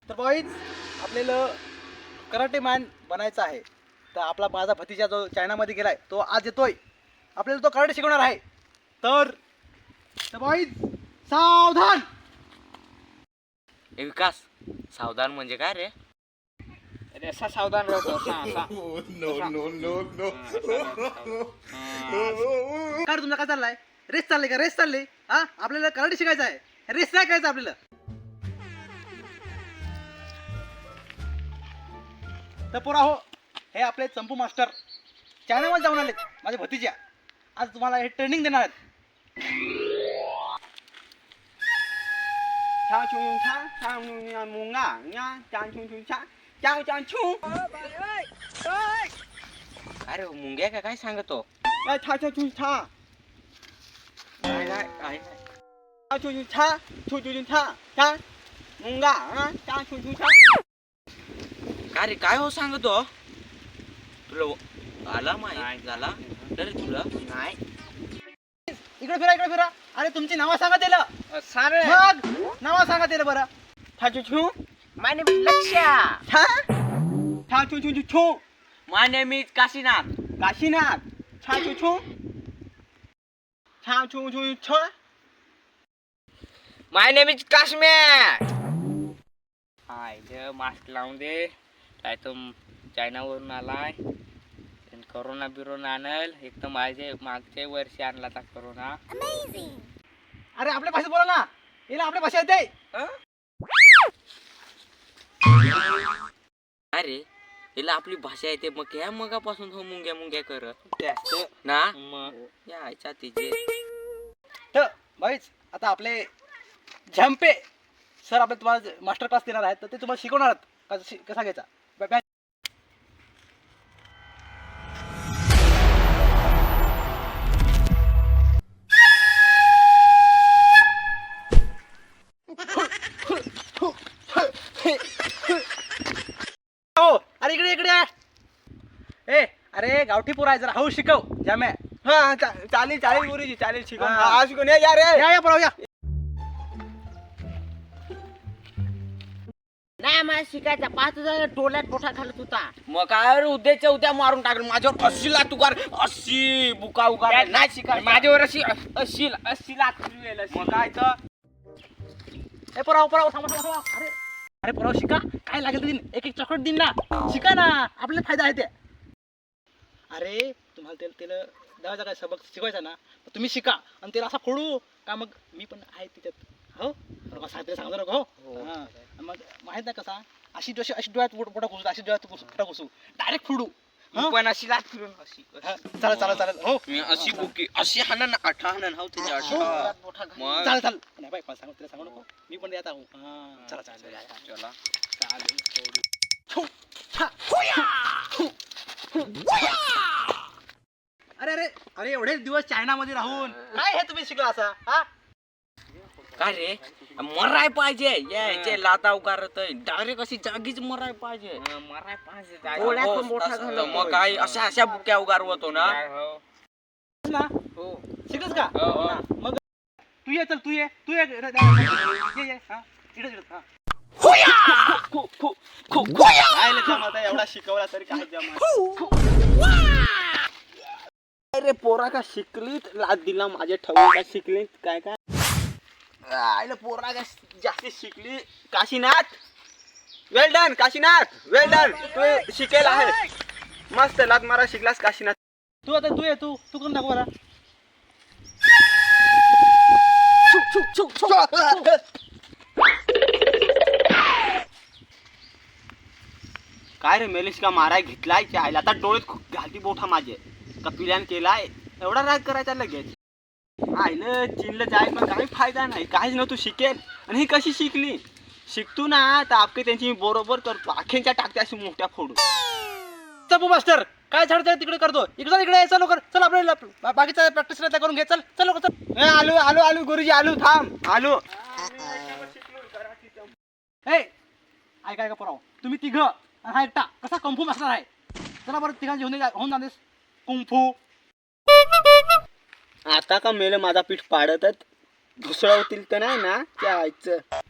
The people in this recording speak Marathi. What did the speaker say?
तर बॉईज आपल्याला कराटे मॅन बनायचं आहे. तर आपला माझा भतीजा जो चायनामध्ये गेलाय तो आज येतोय, आपल्याला तो कराटे शिकवणार आहे. तर बॉईज सावधान. ए विकास, सावधान म्हणजे काय रे? अरे असा सावधान राहतो असा काय रे तुमचा काय चाललाय? रेस चालली का? रेस चालली हा? आपल्याला कराटे शिकायचं आहे, रेस नाही करायचं आपल्याला. तर पोरा हो, हे आपले चंपू मास्टर चायनामध्ये जाऊन आलेत, माझे भतीजा. आज तुम्हाला हे ट्रेनिंग देणार आहेत. छा छू छा छा मुंगा न्या चान छू छू छा चाव चान छू अरे मुंग्या का काय सांगतो? छा छा छू छा काय काय काय छा छू छू छा छू छू छा छा मुंगा चा छू छू छा. काय रे, काय हो सांगतो? तुला आला माहित झाला तर तुला नाही इकडे फिरा, इकडे फिरा. अरे तुमची नावं सांगा त्याला. सारे मग नावं सांगा त्याला बरं. छा छू छू माय नेम इज लक्ष्या. छा छा छू छू छू छू my name is Kashinath. Kashinath. छा छू छू छा छू छू छ माय नेम इज काश्मीर. हाय जे मास्क लावून दे. काय तो चायनावरून आलाय, कोरोना बिरोना आणल. एक तर माझे मागच्या वर्षी आणला था कोरोना. अरे आपल्या भाषेत बोला ना, याला आपल्या भाषा येते. अरे हिला आपली भाषा येते, मग ह्या मगापासून हो मुंग्या मुंग्या करत त्याच ना. मग यायचा तिचे. तर भाईच आता आपले झंपे सर आपले तुम्हाला मास्टर क्लास देणार आहेत, तर ते तुम्हाला शिकवणार आहेत कसा घ्यायचा. हो अरे इकडे इकडे आहे. ए अरे गावठी पोरा आहे, जरा हळू शिकव जाम्या. हा चालेल चालेल गुरुजी चालेल शिकव. हा. हा शिकून या रे. या पोरा या. नाही मला शिकायचा 5,000 टोल्यात मोठा घालत होता. मग काय रे, उद्याच्या उद्या मारून टाकलं माझ्यावर. अशी लात उगार, अशी बुका उगार नाही शिकाय माझ्यावर अशी अशी अशी लात फिरवेल अशी. मग काय तर ए पोराव पोराव थांबा थांबा थांबा. अरे अरे पोराव शिका, काय लागेल ते देईन, एक एक चॉकलेट देईन ना. शिका ना, आपल्याला फायदा आहे ते. अरे तुम्हाला त्याला दहाचा काय सबक शिकवायचा ना, तर तुम्ही शिका आणि त्याला असा फोडू का. मग मी पण आहे तिच्यात हो, साहेब सांगतो नको हो. हा. मग माहित नाही कसा, अशी जशी अशी डोळ्यात मोठा घुसू, अशी डोळ्यात मोठा घुसू, डायरेक्ट फोडू. मी पण अशी लात फिरून अशी हा, चालेल चालेल चालेल हो. मी अशी बुकी अशी हाणन अठा हाणन हो त्याच्या अठा. मग चालेल चालेल नाही बाई, मला सांगू तिला सांगू नको, मी पण येत आहो. हा चला चालेल चला अरे अरे अरे एवढे दिवस चायनामध्ये राहून काय हे तुम्ही शिकला असा हा. काय रे, मराय पाहिजे. यायचे लाता उकारत डायरेक्ट अशी जागीच मराय पाहिजे. मराय पाहिजे डोळ्यात हो, पण मोठा तसं घालत तर मग काय अशा अशा बुक्या उगारवतो ना. ना हो शिकलस का. हो, हो. हा, मग तू ये, चल तू ये ये ये हा इकडे इकडे हा. काय लै जमत आहे, एवढा शिकवला तरी काय जमत. अरे पोरा का शिकलीत लात दिला माझ्या ठेवून. काय शिकलीत काय काय आईला पोरा का जास्त शिकली. Kashinath well done. Kashinath well done. तू शिकेल आहे मस्त लात मारा शिकलास काशीनाथ. तू आता तू ये, तू करून दाखव मला. काय रे मेलेश का माराय घेतलाय आईला. आता डोळ्यात खूप घालती बोठा माझे कपिल्यान केलाय. एवढा राग करायचा लगेच. आईला चीनला जाय पण काही फायदा नाही, काहीच नव्हतं शिकेल. आणि ही कशी शिकली. शिकतो ना तर आपके त्यांची मी बरोबर करतो. आखेंच्या टाकते अशी मोठ्या फोडू. चपू मास्टर काय झाड तिकडे करतो. इकडे इकडे चल लवकर, चल आपल्याला बाकीचा प्रॅक्टिस करून घे. चल चल लवकर चल. आलू आलू आलू गुरुजी आलू थांब आलू. हे ऐका ऐका पोराव, तुम्ही तिघ हा एकटा कसा कुंफू मास्टर आहे. चला बरं तिघांची होऊन जातेस कुंफू. आता का मेलं माझा पीठ पाडतच घुसळवतील तर नाही ना त्या आईचं.